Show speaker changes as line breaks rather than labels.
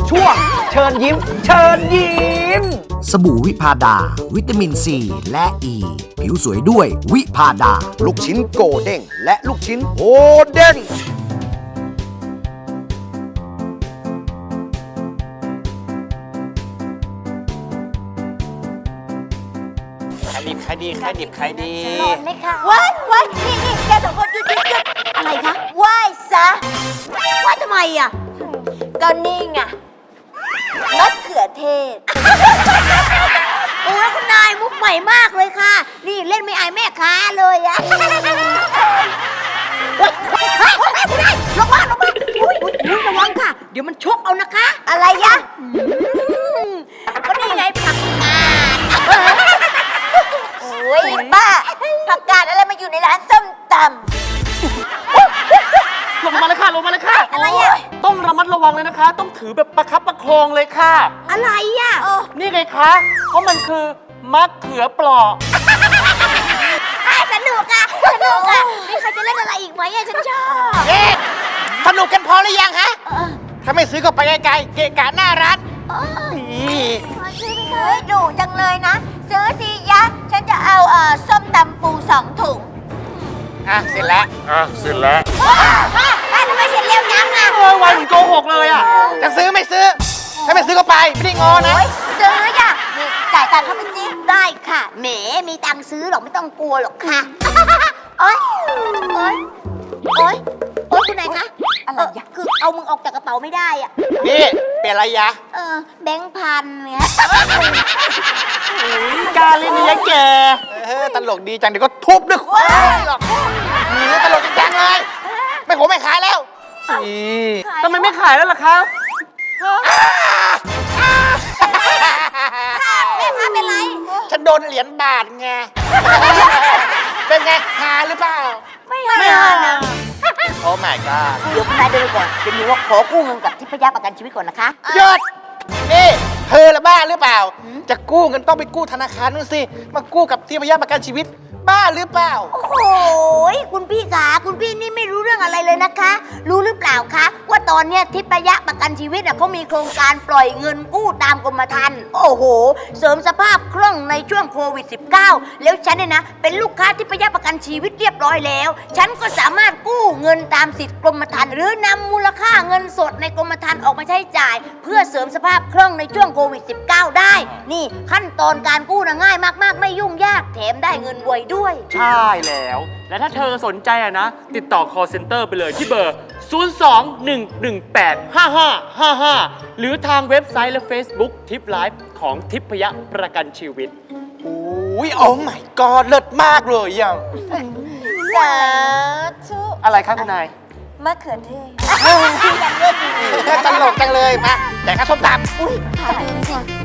ช่วงเชิญยิ้ม เชิญยิ้ม
สบู่วิพาดา วิตามินซีและอ e. ีผิวสวยด้วยวิพาดา
ลูกชิ้นโกเด้งและลูกชิ้นโฮเด้ง
ขายดี
นอนไหมคะว้ายนี่แกสองคนหยุดอะไรคะไหว้ซะไหว้ทำไมอ่ะก็นี่ไงมะเขือเทศโอ้ยคุณนายมุกใหม่มากเลยค่ะนี่เล่นไม่อายแม่ค้าเลยอะคุณนายลงมาอุ้ยระวังค่ะเดี๋ยวมันชกเอานะคะอะไรยะก็นี่ไงผักกาดโอ้ยบ้าผักกาดอะไรมาอยู่ในร้านส้มตำ
ลงมาเลยค่ะ
อะไรอ่ะ
ต้องระมัดระวังเลยนะคะ ต้องถือแบบประคับประคองเลยค่ะ
อะไรอ่ะ
นี่ไงคะ เพราะมันคือมะเขือเปราะ
สนุกอ่ะมีใครจะเล่นอะไรอีกไหมอ่ะฉันชอบ
สนุกกันพอหรือยังฮะถ้าไม่ซื้อก็ไปไกลๆเกะกะหน้าร้านนี่
ซื้อไปเลยดุจังเลยนะซื้อสิยะฉันจะเอาส้มตำปู2 ถุง
เสร็จแล้ว
ทำไมเสร็จเร็วจังอ่ะ
วันเหมือนโกหกเลยอ่ะ จะซื้อไม่ซื้อ ถ้าไม่ซื้อก็ไป ไม่ได้งอนะ
ซื้ออ่ะนี่จ่ายตังค์เข้าไปสิได้ค่ะแหมมีตังค์ซื้อหรอกไม่ต้องกลัวหรอกค่ะโอ๊ยคุณนายคะอะไรอ่ะคือเอามึงออกจากกระเป๋าไม่ได้อ่ะ
นี่เปลี่ยนอะไรยะ
แบงค์พันเนี่ย
กล้าเล่นนี่ยะแกตลกดีจังเดี๋ยวก็ทุบด้วยหรอกตลกจังเลย ไม่ขายแล้วทำไมไม่ขายแล้วล่ะครับ
แม่ค้าเป็นไร
ฉันโดนเหรียญบาทไง เป็นไงหาหรือเปล่า
ไม่หานะ
โอ้ my god
เดี๋ยวคุณนายเดินไปก่อนจะมีว่าขอกู้เงินกับทิพยประกันชีวิตก่อนนะคะ
หยุดนี่เธอละบ้าหรือเปล่า จะกู้เงินต้องไปกู้ธนาคารนู่นสิ มากู้กับที่พยาประกันชีวิต บ้าหรือเปล่า
โอ้โหคุณพี่ขาคุณพี่นี่ไม่รู้เรื่องอะไรเลยนะคะ รู้หรือเปล่าคะว่าตอนเนี้ยทิพยประกันชีวิตเขามีโครงการปล่อยเงินกู้ตามกรมธรรม์โอ้โหเสริมสภาพคล่องในช่วงโควิด -19 แล้วฉันเนี่ยนะเป็นลูกค้าทิพยประกันชีวิตเรียบร้อยแล้วฉันก็สามารถกู้เงินตามสิทธิกรมธรรม์หรือนำมูลค่าเงินสดในกรมธรรม์ออกมาใช้จ่าย เพื่อเสริมสภาพคล่องในช่วงโควิด -19 ได้นี่ขั้นตอนการกู้นะง่ายมากๆไม่ยุ่งยากแถมได้เงินไวด้วย
ใช่แล้ว และถ้าเธอสนใจนะ ติดต่อ call center ไปเลยที่เบอร์ 021185555 หรือทางเว็บไซต์และ Facebook ทิปไลฟ์ของทิพยประกันชีวิต
โอ้ยโอ้ my god เลิศมากเลยอ่ะ
สาธุ
อะไรครับคุณนาย
มะเขือเทศ
ตลกจังเลยมาแต่ข้าส้มตำ
อุ้ยถ่ายสิ